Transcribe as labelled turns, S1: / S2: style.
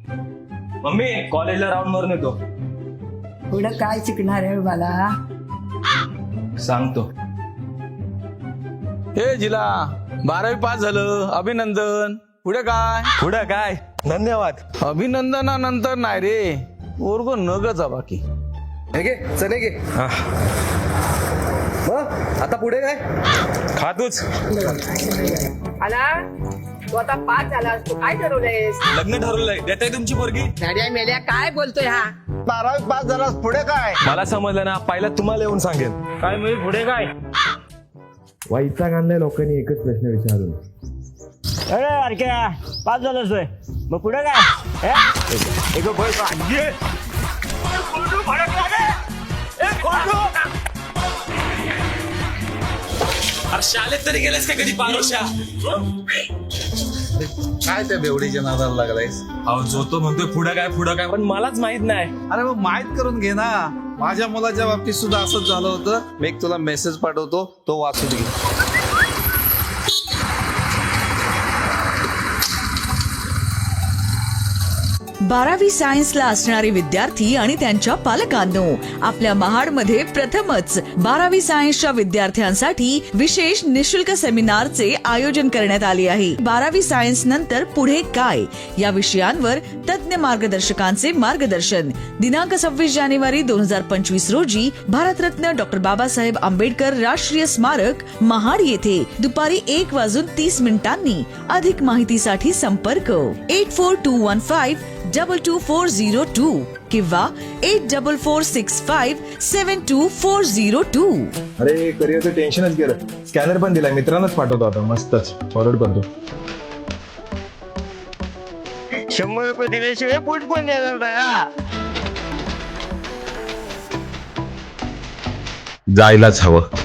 S1: Mummy कॉलेजला round मारून येतो.
S2: पुढं काय शिकणार आहे मला?
S1: सांगतो.
S3: हे जिला 12वी पास झालं, अभिनंदन. पुढे काय?
S1: पुढं काय? धन्यवाद.
S3: अभिनंदनानंतर नाही रे, वर्ग नगचा बाकी.
S4: हे घे चले घे. मग आता पुढे काय?
S1: खा तूच.
S2: आला तू आता पास झाला असतो, काय ठरवलंयस?
S1: लग्न ठरवलंय. देताय तुमची पोरगी?
S2: गाड्या मेल्या काय बोलतोय हा?
S4: 12वी पास झालास पुढे काय?
S1: मला समजलं ना, पहिला तुम्हाला येऊन सांगेन.
S3: काय म्हणजे पुढे काय?
S5: वैताग आणलाय लोकांनी एकच प्रश्न विचारून.
S6: अरे अरक्या पास झालं सोय, मग पुढे काय?
S1: अरे शाळेत तरी गेलेस का कधी पारोशा?
S4: काय त्या बेवडीच्या नादाला लागलायस?
S1: अहो जो तो म्हणतोय पुढं काय पण मलाच माहित नाही.
S4: अरे मग माहित करून घे ना. माझ्या मुलाच्या बाबतीत सुद्धा असंच झालं होतं. मी एक तुला मेसेज पाठवतो, तो वाचून घे.
S7: बारावी सायन्सला असणारे विद्यार्थी आणि त्यांच्या पालकांनो, आपल्या महाडमध्ये प्रथमच 12वी सायन्सच्या विद्यार्थ्यांसाठी विशेष निशुल्क सेमिनारचे आयोजन करण्यात आले आहे. 12वी सायन्स नंतर पुढे काय या विषयांवर तज्ञ मार्गदर्शकांचे मार्गदर्शन. दिनांक 26 जानेवारी 2025 रोजी भारतरत्न डॉक्टर बाबासाहेब आंबेडकर राष्ट्रीय स्मारक महाड येथे दुपारी 1:30 अधिक माहितीसाठी संपर्क 8421522402 किंवा 8446572402.
S5: अरे करिअरचं टेन्शनच गेलं. स्कॅनर पण दिलाय, मित्रांनाच पाठवतो आता. मस्तच फॉरवर्ड करतो.
S6: 100 रुपये दिल्याशिवाय पोट पण देणार नाही.
S8: जायलाच हवं.